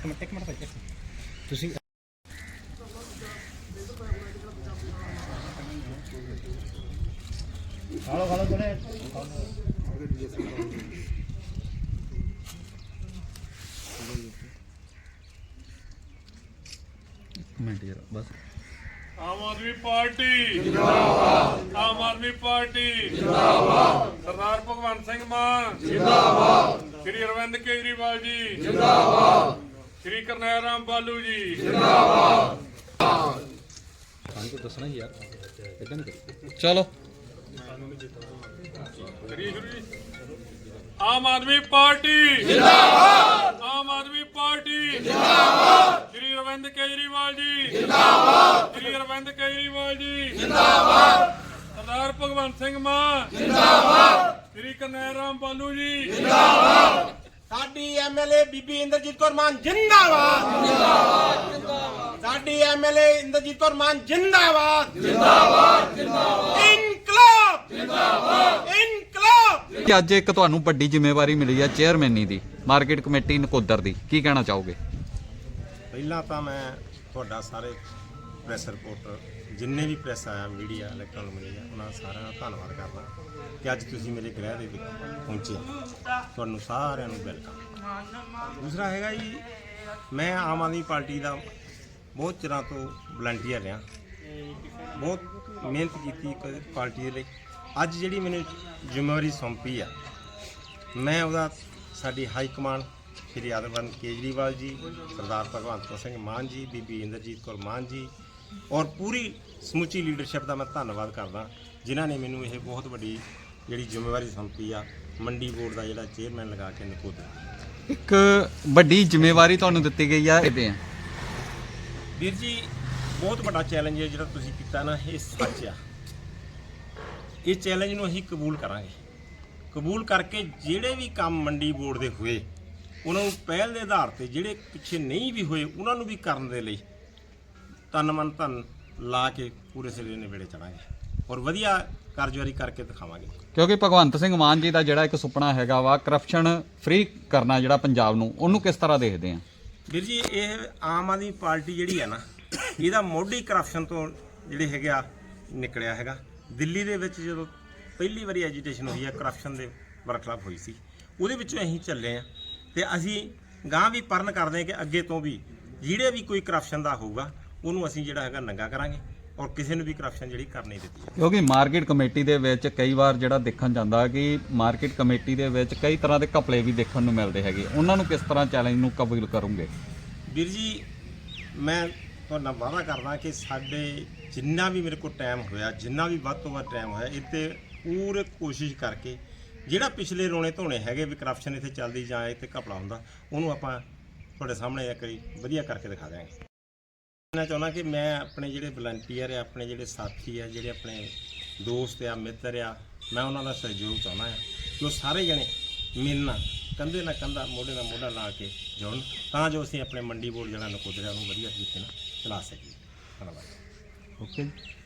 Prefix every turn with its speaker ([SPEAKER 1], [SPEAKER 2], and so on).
[SPEAKER 1] ਇੱਕ ਮਿੰਟ ਭਾਈ ਤੁਸੀਂ ਖਾਲੋ ਥੋੜੇ ਮਿੰਟ ਯਾਰ ਬਸ।
[SPEAKER 2] आम आदमी पार्टी जिंदाबाद, आम आदमी पार्टी जिंदाबाद, सरदार भगवंत सिंह मान जिंदाबाद, श्री अरविंद केजरीवाल जी जिंदाबाद, श्री करनैल राम बालू जी जिंदाबाद।
[SPEAKER 1] दसना ही यार इतना नहीं चलो।
[SPEAKER 2] आम आदमी पार्टी जिंदाबाद, आम आदमी पार्टी जिंदाबाद, श्री अरविंद केजरीवाल जी जिंदाबाद, श्री अरविंद केजरीवाल जी जिंदाबाद, सरदार भगवंत सिंह मान जिंदाबाद, श्री करनैल राम बालू जी जिंदाबाद।
[SPEAKER 3] साडी एमएलए बीबी इंद्रजीत कौर मान जिंदाबाद जिंदाबाद, साडी एमएलए इंद्रजीत कौर मान जिंदाबाद जिंदाबाद जिंदाबाद, इनकलाब जिंदाबाद इनकलाब।
[SPEAKER 1] ਅੱਜ ਇੱਕ ਤੁਹਾਨੂੰ ਵੱਡੀ ਜ਼ਿੰਮੇਵਾਰੀ ਮਿਲੀ ਹੈ ਚੇਅਰਮੈਨੀ ਦੀ ਮਾਰਕੀਟ ਕਮੇਟੀ ਨਕੋਦਰ ਦੀ, ਕੀ ਕਹਿਣਾ ਚਾਹੋਗੇ?
[SPEAKER 3] ਪਹਿਲਾਂ ਤਾਂ ਮੈਂ ਤੁਹਾਡਾ ਸਾਰੇ ਪ੍ਰੈਸ ਰਿਪੋਰਟਰ ਜਿੰਨੇ ਵੀ ਪ੍ਰੈਸ ਆਇਆ ਮੀਡੀਆ ਇਲੈਕਟ੍ਰੋਨਿਕ ਮੀਡੀਆ ਉਹਨਾਂ ਸਾਰਿਆਂ ਦਾ ਧੰਨਵਾਦ ਕਰਦਾ ਕਿ ਅੱਜ ਤੁਸੀਂ ਮੇਰੇ ਗ੍ਰਹਿ ਦੇ ਵਿੱਚ ਪਹੁੰਚੇ। ਤੁਹਾਨੂੰ ਸਾਰਿਆਂ ਨੂੰ ਵੈਲਕਮ। ਦੂਸਰਾ ਹੈਗਾ ਜੀ, ਮੈਂ ਆਮ ਆਦਮੀ ਪਾਰਟੀ ਦਾ ਬਹੁਤ ਚਿਰਾਂ ਤੋਂ ਵਲੰਟੀਅਰ ਰਿਹਾ, ਬਹੁਤ ਮਿਹਨਤ ਕੀਤੀ ਪਾਰਟੀ ਦੇ ਲਈ। ਅੱਜ ਜਿਹੜੀ ਮੈਨੂੰ ਜ਼ਿੰਮੇਵਾਰੀ ਸੌਂਪੀ ਆ, ਮੈਂ ਉਹਦਾ ਸਾਡੀ ਹਾਈ ਕਮਾਂਡ ਸ਼੍ਰੀ ਅਰਵਿੰਦ ਕੇਜਰੀਵਾਲ ਜੀ, ਸਰਦਾਰ ਭਗਵੰਤ ਸਿੰਘ ਮਾਨ ਜੀ, ਬੀਬੀ ਇੰਦਰਜੀਤ ਕੌਰ ਮਾਨ ਜੀ ਔਰ ਪੂਰੀ ਸਮੁੱਚੀ ਲੀਡਰਸ਼ਿਪ ਦਾ ਮੈਂ ਧੰਨਵਾਦ ਕਰਦਾ ਜਿਨ੍ਹਾਂ ਨੇ ਮੈਨੂੰ ਇਹ ਬਹੁਤ ਵੱਡੀ ਜਿਹੜੀ ਜ਼ਿੰਮੇਵਾਰੀ ਸੌਂਪੀ ਆ, ਮੰਡੀ ਬੋਰਡ ਦਾ ਜਿਹੜਾ ਚੇਅਰਮੈਨ ਲਗਾ ਕੇ ਨਕੋਦਰ।
[SPEAKER 1] ਇੱਕ ਵੱਡੀ ਜ਼ਿੰਮੇਵਾਰੀ ਤੁਹਾਨੂੰ ਦਿੱਤੀ ਗਈ ਆ ਇਹਦੇ ਆ
[SPEAKER 3] ਵੀਰ ਜੀ, ਬਹੁਤ ਵੱਡਾ ਚੈਲੰਜ ਹੈ ਜਿਹੜਾ ਤੁਸੀਂ ਕੀਤਾ ਨਾ, ਇਹ ਸੱਚ ਆ। ਇਹ ਚੈਲੰਜ ਨੂੰ ਅਸੀਂ ਕਬੂਲ ਕਰਾਂਗੇ। ਕਬੂਲ ਕਰਕੇ ਜਿਹੜੇ ਵੀ ਕੰਮ ਮੰਡੀ ਬੋਰਡ ਦੇ ਹੋਏ ਉਹਨਾਂ ਨੂੰ ਪਹਿਲ ਦੇ ਆਧਾਰ ਤੇ, ਜਿਹੜੇ ਪਿੱਛੇ ਨਹੀਂ ਵੀ ਹੋਏ ਉਹਨਾਂ ਨੂੰ ਵੀ ਕਰਨ ਦੇ ਲਈ ਤਨ ਮਨ ਧਨ ਲਾ ਕੇ ਪੂਰੇ ਸਿਰੇ ਨੇੜੇ ਚੜਾਂਗੇ ਔਰ ਵਧੀਆ ਕਾਰਜਵਾਰੀ ਕਰਕੇ ਦਿਖਾਵਾਂਗੇ।
[SPEAKER 1] ਕਿਉਂਕਿ ਭਗਵੰਤ ਸਿੰਘ ਮਾਨ ਜੀ ਦਾ ਜਿਹੜਾ ਇੱਕ ਸੁਪਨਾ ਹੈਗਾ ਵਾ ਕਰਪਸ਼ਨ ਫ੍ਰੀ ਕਰਨਾ ਜਿਹੜਾ ਪੰਜਾਬ ਨੂੰ, ਉਹਨੂੰ ਕਿਸ ਤਰ੍ਹਾਂ ਦੇਖਦੇ ਆ?
[SPEAKER 3] ਵੀਰ ਜੀ, ਇਹ ਆਮ ਆਦਮੀ ਪਾਰਟੀ ਜਿਹੜੀ ਹੈ ਨਾ, ਇਹਦਾ ਮੋਢੀ ਕਰਪਸ਼ਨ ਤੋਂ ਜਿਹੜੇ ਹੈਗੇ ਆ ਨਿਕਲਿਆ ਹੈਗਾ। ਦਿੱਲੀ ਦੇ ਵਿੱਚ ਜਦੋਂ ਪਹਿਲੀ ਵਾਰੀ ਐਜੀਟੇਸ਼ਨ ਹੋਈ ਹੈ ਕਰਪਸ਼ਨ ਦੇ ਵਰਖਲਾਫ ਹੋਈ ਸੀ, ਉਹਦੇ ਵਿੱਚੋਂ ਅਸੀਂ ਚੱਲੇ ਆ ਤੇ ਅਸੀਂ ਗਾਂ ਵੀ ਪਰਨ ਕਰਦੇ ਹਾਂ ਕਿ ਅੱਗੇ ਤੋਂ ਵੀ ਜਿਹੜੇ ਵੀ ਕੋਈ ਕਰਪਸ਼ਨ ਦਾ ਹੋਊਗਾ ਉਹਨੂੰ ਅਸੀਂ ਜਿਹੜਾ ਹੈਗਾ ਨੰਗਾ ਕਰਾਂਗੇ ਔਰ ਕਿਸੇ ਨੂੰ ਵੀ ਕਰਪਸ਼ਨ ਜਿਹੜੀ ਕਰ ਨਹੀਂ ਦਿੱਤੀ।
[SPEAKER 1] ਕਿਉਂਕਿ ਮਾਰਕੀਟ ਕਮੇਟੀ ਦੇ ਵਿੱਚ ਕਈ ਵਾਰ ਜਿਹੜਾ ਦੇਖਣ ਜਾਂਦਾ ਕਿ ਮਾਰਕੀਟ ਕਮੇਟੀ ਦੇ ਵਿੱਚ ਕਈ ਤਰ੍ਹਾਂ ਦੇ ਘਪਲੇ ਵੀ ਦੇਖਣ ਨੂੰ ਮਿਲਦੇ ਹੈਗੇ, ਉਹਨਾਂ ਨੂੰ ਕਿਸ ਤਰ੍ਹਾਂ ਚੈਲੰਜ ਨੂੰ ਕਬੂਲ ਕਰੋਗੇ?
[SPEAKER 3] ਵੀਰ ਜੀ, ਮੈਂ ਤੁਹਾਡਾ ਵਾਅਦਾ ਕਰਦਾ ਕਿ ਸਾਡੇ ਜਿੰਨਾ ਵੀ ਮੇਰੇ ਕੋਲ ਟਾਈਮ ਹੋਇਆ, ਜਿੰਨਾ ਵੀ ਵੱਧ ਤੋਂ ਵੱਧ ਟਾਈਮ ਹੋਇਆ, ਇੱਥੇ ਪੂਰੇ ਕੋਸ਼ਿਸ਼ ਕਰਕੇ ਜਿਹੜਾ ਪਿਛਲੇ ਰੋਣੇ ਧੋਣੇ ਹੈਗੇ ਵੀ ਕਰਪਸ਼ਨ ਇੱਥੇ ਚੱਲਦੀ ਜਾਂ ਇੱਥੇ ਘਪਲਾ ਹੁੰਦਾ, ਉਹਨੂੰ ਆਪਾਂ ਤੁਹਾਡੇ ਸਾਹਮਣੇ ਇੱਕ ਵਾਰੀ ਵਧੀਆ ਕਰਕੇ ਦਿਖਾ ਦਿਆਂਗੇ। ਮੈਂ ਚਾਹੁੰਦਾ ਕਿ ਮੈਂ ਆਪਣੇ ਜਿਹੜੇ ਵਲੰਟੀਅਰ ਆ, ਆਪਣੇ ਜਿਹੜੇ ਸਾਥੀ ਆ, ਜਿਹੜੇ ਆਪਣੇ ਦੋਸਤ ਆ, ਮਿੱਤਰ ਆ, ਮੈਂ ਉਹਨਾਂ ਦਾ ਸਹਿਯੋਗ ਚਾਹੁੰਦਾ ਹਾਂ ਕਿ ਉਹ ਸਾਰੇ ਜਣੇ ਮਿਲਣਾ, ਕੰਧੇ ਨਾਲ ਕੰਧਾ, ਮੋਢੇ ਨਾਲ ਮੋਢਾ ਲਾ ਕੇ ਜੁੜਨ, ਤਾਂ ਜੋ ਅਸੀਂ ਆਪਣੇ ਮੰਡੀ ਬੋਰਡ ਜਿਹੜਾ ਨਕੋਦਰ ਉਹਨੂੰ ਵਧੀਆ ਤਰੀਕੇ ਨਾਲ ਚਲਾ ਸਕੀਏ। ਧੰਨਵਾਦ।
[SPEAKER 1] ਓਕੇ।